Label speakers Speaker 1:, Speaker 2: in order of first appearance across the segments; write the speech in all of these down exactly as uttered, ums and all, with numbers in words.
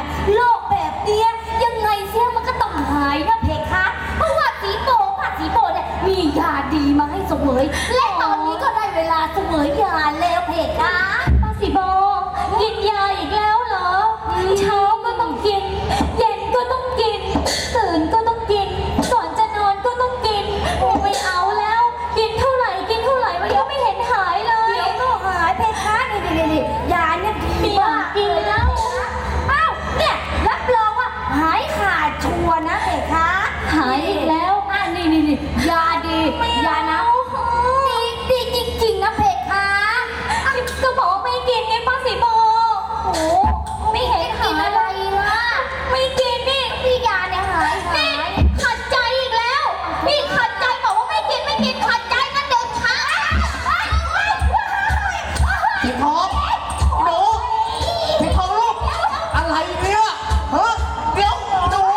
Speaker 1: โรคแบบเนี้ยยังไงเสียมันก็ต้องหายนะเพคะเพราะว่าสีโบผัดสีโบเนี่ยมียาดีมาให้เสวยและตอนนี้ก็ได้เวลาเสวยยาแล้วเพคะป้าสีโบกินยาอีกแล้วเหรอเช้าก็ต้องกินเย็นก็ต้องกินตื่นก็ต้องกินก่อนจะนอนก็ต้องกินไม่เอาแล้วกินเท่าไหร่กินเท่าไหร่มันยังไม่เห็นหายเลยเดี๋ยวก็หายเพคะนี่นี่นี่ยาเนี่ยดีมากกินแล้วอ้าวเนี่ยรับรองว่าหายขาดชัวร์นะเพคะหายอีกแล้วอ่ะนี่นี่นี่ยาดียานะดีดีจริงๆนะเพคะก็บอกไม่กินไงป้าสีโบโอ้โหไม่เห็นหายอะไรล่ะไม่กินนี่พี่ยาเนี่ยหายหายขัดใจอีกแล้วพี่ขัดใจบอกว่าไม่กินไม่กินขัดใจงั้นเดี๋ยวช้า
Speaker 2: พี่ทองหนูพี่ทองลูกอะไรเนี่ยเฮ้ยเดี๋ยวหนู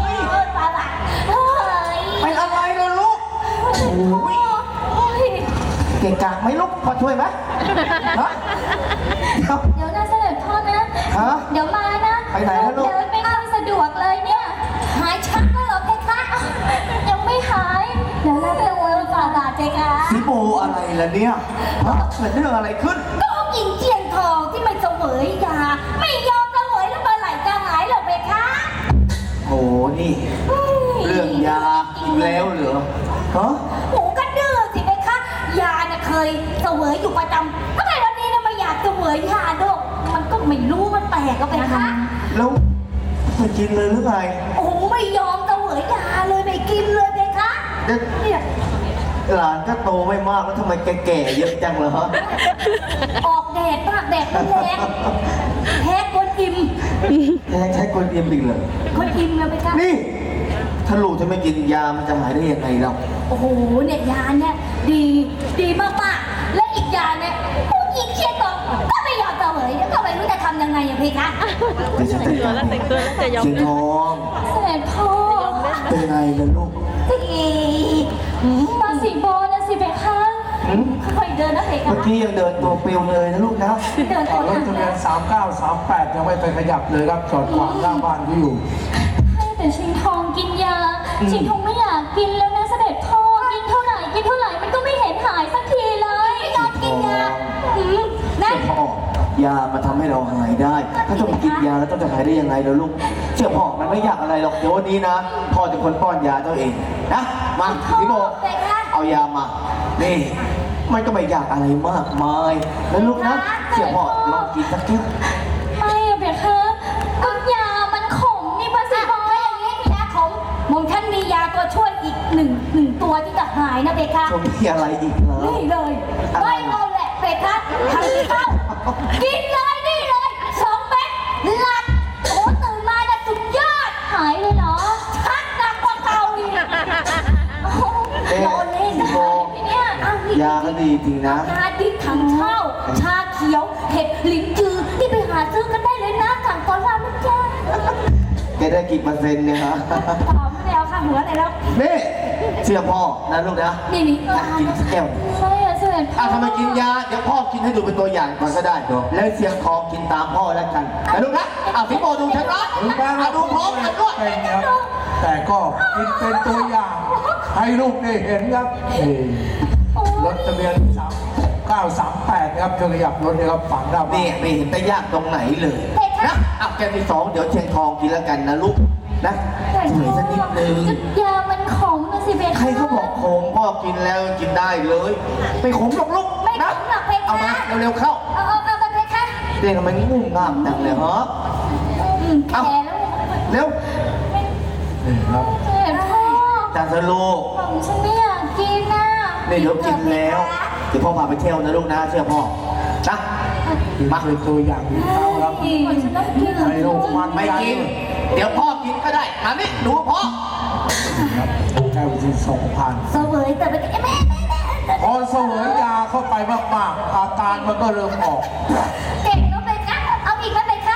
Speaker 2: เป็นอะไรเลยลูกโอ้ยเก่งกากไหมลูกพอช่วยไหมฮะเดี๋ยว
Speaker 1: เดี๋ยวนะเสด็จพ่อนะ
Speaker 2: ฮะ
Speaker 1: เดี๋ยวมานะ
Speaker 2: ไปไหนนะลูก
Speaker 1: เดินไม่ค่อยสะดวกเลยเนี่ย หายชักแล้วเหรอเพคะยังไม่หาย เดี๋ยวเราไปโวยฝ่าบาทเพคะ
Speaker 2: สีโบอะไรล่ะเนี่ยฮะเกิดเรื่องอะไรขึ้น
Speaker 1: ก็เอาหญิงเจียนทองที่ไม่เสวยยาไม่ยอมเสวยแล้วเมื่อไหร่จะหายเหรอเพคะ
Speaker 2: โหนี่ เรื่องยาอีกแล้วเหรอฮะ
Speaker 1: หมูกันดื้อสิเพคะ ยาเนี่ยเคยเสวยอยู่ประจำทำไมวันนี้เนี่ยไม่อยากเสวยยาด้วยมันก็ไม่รู้มันแปลกก็เพคะ
Speaker 2: แล้วไม่กินเลยหรือไง
Speaker 1: โอ้โหไม่ยอมเสวยยาเลยไม่กินเลยเพคะ
Speaker 2: เด็ก
Speaker 1: เนี่ย
Speaker 2: หลานก็โตไม่มากแล้วทำไมแก่ๆเยอะจังเหรอฮะ
Speaker 1: ออกแดดมากแดดมันแรงแพ้คนอิ่ม
Speaker 2: แกใช้กลเอียมอีกเลย
Speaker 1: คนอิ่มเลยเพคะ
Speaker 2: นี่ถ้าลูกจะไม่กินยามันจะหายได้ยังไงเรา
Speaker 1: โอ้โหเนี่ยยาเนี่ยดีดีมากๆและอีกอย่างเนี่ยผู้หญิงเชียร์บอกก็ไม่ยอมเสวยแล้วก็ไม่รู้จะทำยังไงอะเพคะ
Speaker 2: ไม่ใช่แต่งตัวแล้วแต่งตัวแล้วจะยอมเชียงทอง
Speaker 1: เสด็จพ่อ
Speaker 2: เป็นไงล่ะลูก
Speaker 1: สีมาสีโบนะสิเพคะ
Speaker 2: หืม
Speaker 1: ค่อยๆเดินนะเพคะ
Speaker 2: เมื่อกี้ยังเดินตัวเปลิวเลยนะลูกนะ
Speaker 1: เดิน
Speaker 3: ร
Speaker 1: ตัว
Speaker 3: ถทะเบียนสามเก้าสามแปดยังไม่ไปขยับเลยครับจอดขวางหน้าบ้านที่อยู่
Speaker 1: ให้แต่ชิงทองกินยาชิงทองไม่อยากกินแล้วนะเสด็จพ่อกินเท่าไหร่กินเท่าไหร่มันก็ไม่เห็นหายสักทีเลยไม่ยอมกินยาอืมนะ
Speaker 2: เชื่อพ่อยามาทำให้เราหายได้ ถ้าต้องไปกินยาแล้วต้องจะหายได้ยังไงล่ะลูก เชื่อพ่อมันไม่ยากอะไรหรอกเดี๋ยววันนี้นะพ่อจะคนป้อนยาตัวเองนะมาพี่โบเอายามานี่มันก็ไม่ยากอะไรมากมายแล้วลูกนะเชื่อพ่อลองกินสักแก้ว
Speaker 1: ไม่อะเพคะก็ยามันขมนี่ภาษีบอยอย่างนี้ยาขมมองท่านมียาตัวช่วยอีกหนึ่งหนึ่งตัวที่จะหายนะเพคะ
Speaker 2: จะมีอะไรอีกเหรอ
Speaker 1: นี่เลยไม่เอาแหละเพคะทางที่เข้ากินเลยนี่เลยสองเม็ดหลับโอ้ตื่นมาน่ะสุดยอดหายเลยเหรอชักหนักกว่าเก่าอีกโดนเล่นหายไปเนี่ยเอานี่
Speaker 2: ยาก็ดีจริงนะ
Speaker 1: ชาดิบถังเช่า ชาเขียว เห็ดลิ้นจือที่ไปหาซื้อกันได้เลยนะถังตอนร้านนะจ๊ะ
Speaker 2: แกได้กี่เปอร์เซ็นต์เนี่ยฮะ
Speaker 1: ตอบไม่แล้วค่ะหัวไหนแล้ว
Speaker 2: นี่เชื่อพ่อนะลูกนะ
Speaker 1: นี่นี่
Speaker 2: นะกินสักแก้ว
Speaker 1: ใช่อะเสด็จพ่
Speaker 2: อ่ะทำไมกินยา เดี๋ยวพ่อกินให้ดูเป็นตัวอย่างก่อนก็ได้ แล้วเสียงทองกินตามพ่อแล้วกันนะลูกนะอ่ะพี่โบดูฉันนะ
Speaker 3: ถึงแม้
Speaker 2: อ่ะ
Speaker 3: ว่า
Speaker 2: ดูพร้อมกันด้วย
Speaker 3: เป็นครับแต่ก็กินเป็นตัวอย่าง ให้ลูกได้เห็นครับนี่รถทะเบียนสามเก้าสามแปดครับเครื่องขยับรถนะครับฝังหน้าบ้า
Speaker 2: นี่
Speaker 3: น
Speaker 2: ไม่เห็นได้ยากตรงไหนเลยนะอ่ะแกที่สองเดี๋ยวเชียงทองกินแล้วกันนะลูกนะเหนื่อยสักนิดนึง
Speaker 1: ยามันขมนะสิเบน
Speaker 2: ใครเขาบอกขมพ่อกินแล้วกินได้เลยไม่ขมหรอกลูก
Speaker 1: ไม่ข
Speaker 2: นะ
Speaker 1: มหรอกเพคะ
Speaker 2: เอามาเร็วๆเข้า
Speaker 1: เอาเอาเอาไปเพคะ
Speaker 2: เด็กทำไมงุ่มง่ามจังเลยฮะ
Speaker 1: อืมแก่แล้ว
Speaker 2: เร็ว
Speaker 3: นี่ครับ
Speaker 1: เสด็จพ่อ
Speaker 2: จานสลูก
Speaker 1: ผมฉันไม่อยากกินนะ
Speaker 2: นี่เดี๋ยวกินแล้วเดี๋ยวพ่อพาไปเที่ยวนะลูกนะเชื่อพ่อนะ
Speaker 3: กินเป็นตัวอย่างที่เขาครับ
Speaker 1: ฉันต้องกิน
Speaker 3: ให้ลูกมัน
Speaker 2: ไม่กิน เดี๋ยวพ่อกินก็ได้มานี่ดูพ่อ
Speaker 3: ครับแก้วที่สองพัน
Speaker 1: เสวยแต่ไปแม่แม่แม่แม่
Speaker 3: พอเสวยยาเข้าไปมากๆอาการมันก็เริ่มออก
Speaker 1: เก่งแล้วไปคะเอาอีกแล้วไปคะ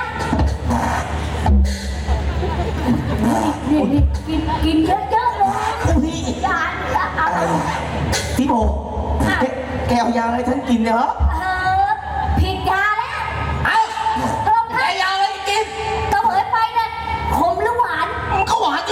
Speaker 1: นี่นี่กินกินเยอะๆเลยยาละเอา
Speaker 2: พี่โบแกแกเอายาอะไรฉันกินเนี่ยเหรอ
Speaker 1: เออผิดยาแล้ว
Speaker 2: เอ้า
Speaker 1: ตรง
Speaker 2: แก
Speaker 1: นั้น
Speaker 2: ยาอะไรกิน
Speaker 1: เสวยไป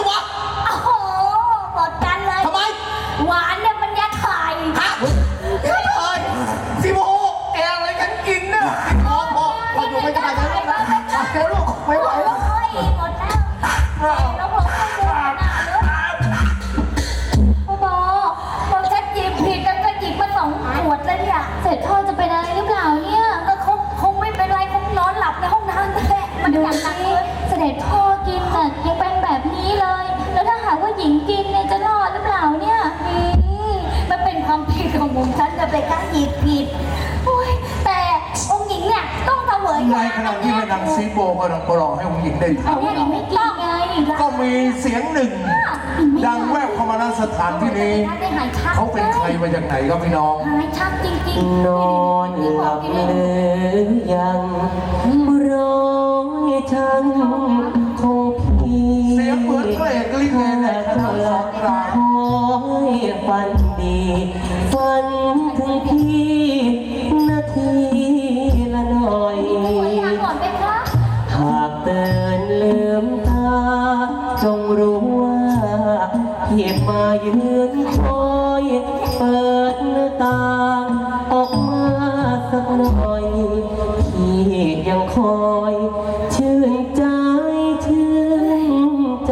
Speaker 2: วะ
Speaker 1: โอ้โหหมดกันเลย
Speaker 2: ทำไม
Speaker 1: หวานเนี่ยมันยัดไข่
Speaker 2: ฮะเฮ้ยสิโมแกอะไรกันกินเนี่ยพอพอพออยู่ไม่ได้แล้วนะแกลูกไม่ไหวแล้ว
Speaker 1: โอ้ยหมดแล้วแล้วผมก็ดูหน้าเลยพ่อบอกบอกฉันหยิบผิดแล้วก็หยิบมาสองขวดแล้วเนี่ยเสร็จพ่อจะเป็นอะไรหรือเปล่าเนี่ยก็คงคงไม่เป็นไรคงนอนหลับในห้องน้ำนั่นแหละมันอยากหนักเลยเสด็จพ่อกินแต่ยังเป็นแบบนี้เลย แล้วถ้าหากว่าหญิงกินเนี่ยจะรอดหรือเปล่าเนี่ยอืมมันเป็นความผิดของผมฉันจะไปกล้าหยิบผิดโอ้ยแต่องค์หญิงเนี่ยต้องเสวย
Speaker 3: ในขณะที่แม่นางซีโบกำลังรอให้องค์หญิงได้
Speaker 1: อัน
Speaker 3: ทำ
Speaker 1: เนี้ยหญิงไม่กินไง
Speaker 3: ก็มีเสียงหนึ่ง ดังแว่วเข้ามาณสถานที่นี้
Speaker 1: ได้หายชัก
Speaker 3: เขาเป็นใครมาจากไหนครับพี่น้อง
Speaker 1: หายชักจริงๆ
Speaker 4: นอนหลับหรือยังร้องช่างคงพี่
Speaker 3: เสียงเหมือนเพลงลิเกในคณะสอนราม
Speaker 4: ขอให้ฝันดีฝันถึงพี่นาทีละหน่อย
Speaker 1: หัวยาก่อนไหมคะ
Speaker 4: หากเตือนลืมตาจงรู้ว่าพี่มายืนคอยเปิดหน้าต่างออกมาสักหน่อยพี่ยังคอยชื่นใจชื่นใจ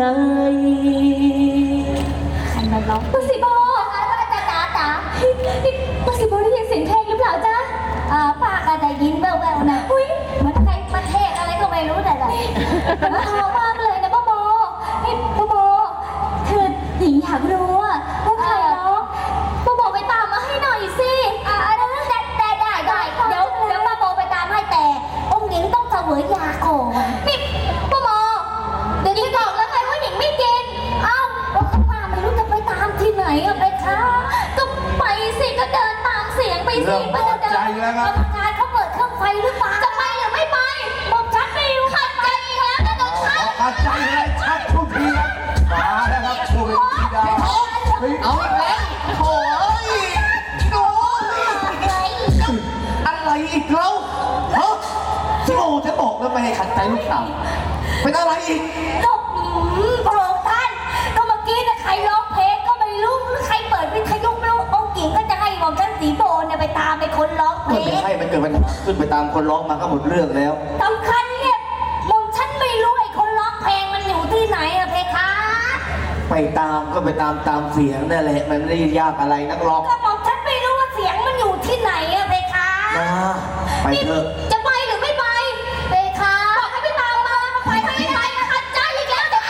Speaker 1: ใครมาร้องปุสิโบจ๋าจ๋าจ๋านี่ปุสิโบได้ยินเสียงเพลงหรือเปล่าจ๊ะอ่าป้าก็ได้ยินแว่วๆนะอุ้ยเหมือนใครมาเทศอะไรก็ไม่รู้แต่ละมันเพราะมากเลยนะป้าโบนี่ป้าโบคือหญิงอยากรู้อะว่าใครร้องป้าโบไปตามมาให้หน่อยสิอ่าได้ได้ได้ได้ได้เดี๋ยวเดี๋ยวป้าโบไปตามให้แต่องค์หญิงต้องเสวยยาก่อนนี่ป้าโบเดี๋ยวนี้บอกแล้วไงว่าหญิงไม่กินเอ้าแล้วข้าป้าไม่รู้จะไปตามที่ไหนอะไปคะก็ไปสิก็เดินตามเสียงไปสิ
Speaker 3: เริ่มพอใจแล้วครับ
Speaker 1: กรรมการเขาเปิดเครื่องไฟหรือเปล่าจะไปหรือไม่ไปผมชักไม่รู้ขัดใจอีกแล้วนะต้องชัก
Speaker 3: ขัดใจอะไรชักทุกทีครับมาแล้วครับโชว์เป็นธิดาเฮ้ย
Speaker 2: เอาอีกแล้วโถ่ยโถ่อะไรอีกแล้วฮะสิโมจะบอกแล้วไม่ให้ขัดใจลูกสาวเป็นอะไรอีก
Speaker 1: ก็อืมพระองค์ท่านก็เมื่อกี้นะใครร้องเพลงก็ไม่รู้หรือใครเปิดวิทยุไม่รู้องค์หญิงก็จะให้หม่อมฉันสีโบเนี่ยไปตามไปคนร้องเพล
Speaker 2: เมื่อเป็น
Speaker 1: ง
Speaker 2: ให้มันเกิดปัญหาขึ้นไปตามคนร้องมาก็หมดเรื่องแล้ว
Speaker 1: สำคัญเนี่ยหม่อมฉันไม่รู้ไอ้คนร้องเพลงมันอยู่ที่ไหนอะเพคะ
Speaker 2: ไปตามก็ไปตามตามเสียงนั่นแหละมันไม่ได้ยากอะไรนักร้อง
Speaker 1: ก็หม่อมฉันไม่รู้ว่าเสียงมันอยู่ที่ไหนอะเพคะ
Speaker 2: นะไปเถอะ
Speaker 1: จะไปหรือไม่ไปเพคะบอกให้ไปตามมาไปไม่ไปนะคะใจอีกแล้วเดี๋ยว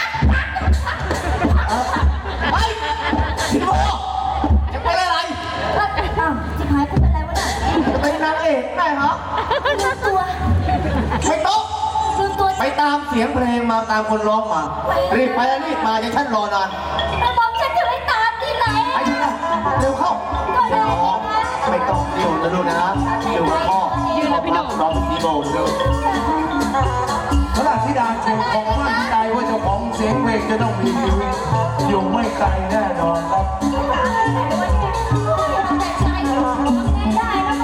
Speaker 2: ไปสิโมจะเป็นอะไร
Speaker 1: อ้าวจิ๋หายกูเป็นอะไรวะเนี่ย
Speaker 2: จะเป็นนางเอกได้เหรอ
Speaker 1: ลืมตัว
Speaker 2: ไม่ต้อง
Speaker 1: ลืมตัว
Speaker 2: ไปตามเสียงเพลงมาตามคนร้องมา รีบไปแล้วรีบมาอย่าท่านรอนาน
Speaker 1: แล้วบอกฉันจะไปตามที่ไหน
Speaker 2: ไปเถอะเร็วเข้าอย่าร้องไม่ต้องเดี๋ยวนะลูกนะเดี๋ยวพ่อพ่อพักร้องดีโบเร็ว
Speaker 3: พระราชธิดาชมของมั่นใจว่าเจ้าของเสียงเพลงจะต้องมีชีวิตอยู่ไม่ไกลแน่นอนครับ